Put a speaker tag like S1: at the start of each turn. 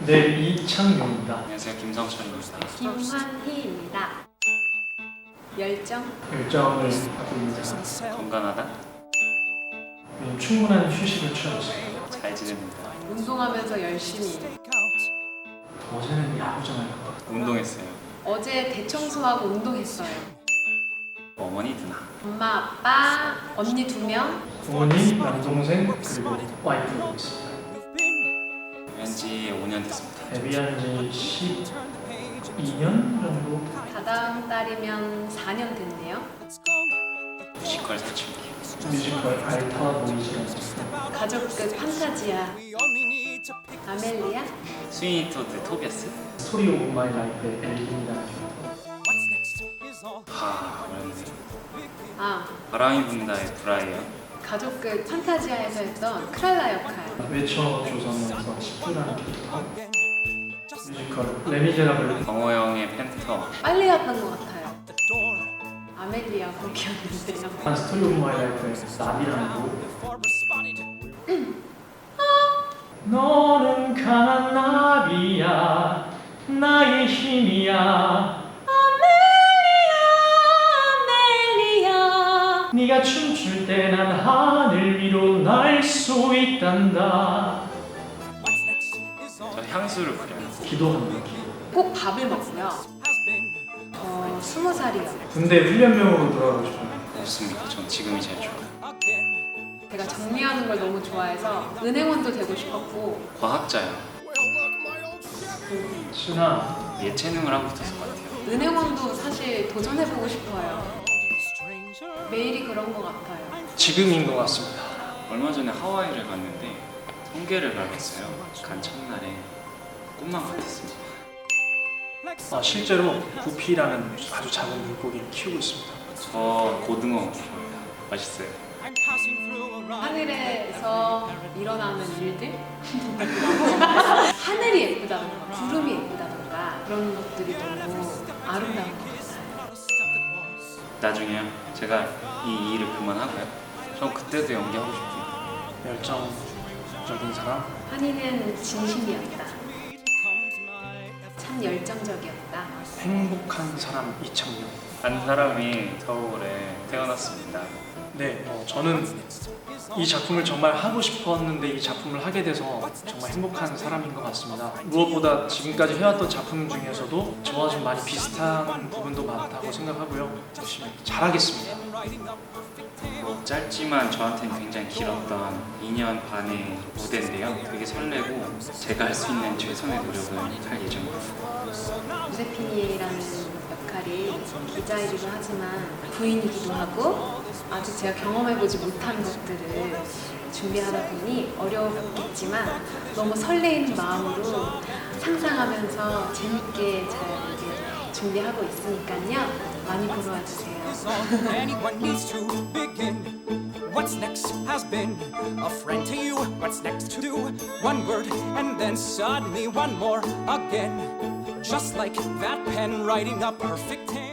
S1: 네, 이창용입니다.
S2: 안녕하세요, 김성철입니다.
S3: 김환희입니다. 열정을
S1: 하고 있습니다.
S2: 건강하다?
S1: 충분한 휴식을 취하고
S2: 잘 지냅니다.
S3: 운동하면서 열심히
S1: 어제는 야구장 할 것 같아요.
S2: 운동했어요.
S3: 어제 대청소하고 운동했어요.
S2: 어머니 누나.
S3: 엄마, 아빠, 언니 2명.
S1: 부모님, 남동생, 그리고 와이프가 있습니다.
S2: 왠지 5년 됐습니다.
S1: 데뷔한 지 12년 정도?
S3: 다다음 달이면 4년 됐네요.
S2: 뮤지컬 사춘기.
S1: 뮤지컬 알타 보이즈라는 작품.
S3: 가족끝 판타지야. 아멜리아?
S2: 스위니 토드 토비아스?
S1: 스토리 오브 마이 라이프의 엘린이라는
S2: 어렵네.
S3: 아,
S2: 바람이 분다의 브라이언.
S3: 가족끝 판타지아에서 했던 크랄라 역할.
S1: 외쳐 조선에서 10주라는 캐릭터. 뮤지컬 레미제라블.
S2: 정호영의 펜터.
S3: 빨리 갔던 것 같아요. 아멜리아 곡이었는데요.
S1: 스토리 오브 마이 라이프의 나비라는 곡. 너는 강한 나비야, 나의 힘이야.
S3: 아멜리아.
S1: 네가 춤출 때 난 하늘 위로 날 수 있단다.
S2: 저 향수를 그려요.
S1: 기도합니다.
S3: 꼭 밥을 먹고요. 20살이요.
S1: 군대 훈련병으로 돌아가고 싶어요.
S2: 없습니다. 전 지금이 제일 좋아요.
S3: 제가 정리하는 걸 너무 좋아해서 은행원도 되고 싶었고
S2: 과학자요.
S1: 순아,
S2: 예체능을 하고 있었을 것 같아요.
S3: 은행원도 사실 도전해보고 싶어요. 매일이 그런 것 같아요.
S1: 지금인 것 같습니다.
S2: 얼마 전에 하와이를 갔는데 성게를 밟았어요. 간 첫날에 꿈만 같았습니다.
S1: 실제로 구피라는 아주 작은 물고기를 키우고 있습니다.
S2: 저 고등어 좋아합니다. 맛있어요.
S3: 하늘에서 일어나는 일들? 하늘이 예쁘다던가 구름이 예쁘다던가 그런 것들이 너무 아름다운 것 같아요.
S2: 나중에요. 제가 이 일을 그만하고요. 전 그때도 연기하고 싶어요.
S1: 열정적인 사람.
S3: 한이는 진심이었다. 참 열정적이었다.
S1: 행복한 사람 이창용.
S2: 한 사람이 서울에 태어났습니다.
S1: 네, 저는 이 작품을 정말 하고 싶었는데 이 작품을 하게 돼서 정말 행복한 사람인 것 같습니다. 무엇보다 지금까지 해왔던 작품 중에서도 저와 좀 많이 비슷한 부분도 많다고 생각하고요. 열심히 잘하겠습니다.
S2: 짧지만 저한테는 굉장히 길었던 2년 반의 무대인데요. 되게 설레고 제가 할 수 있는 최선의 노력을 할 예정입니다.
S3: 조세피니라는 역할이 기자이기도 하지만 부인이기도 하고 아직 제가 경험해보지 못한 것들을 준비하다 보니 어려웠겠지만 너무 설레이는 마음으로 상상하면서 재밌게 잘 이렇게 준비하고 있으니까요. 많이 보러 와주세요.
S4: Anyone needs to begin. What's next has been a friend to you. What's next to do? One word and then suddenly one more again. Just like that pen writing a perfect hand.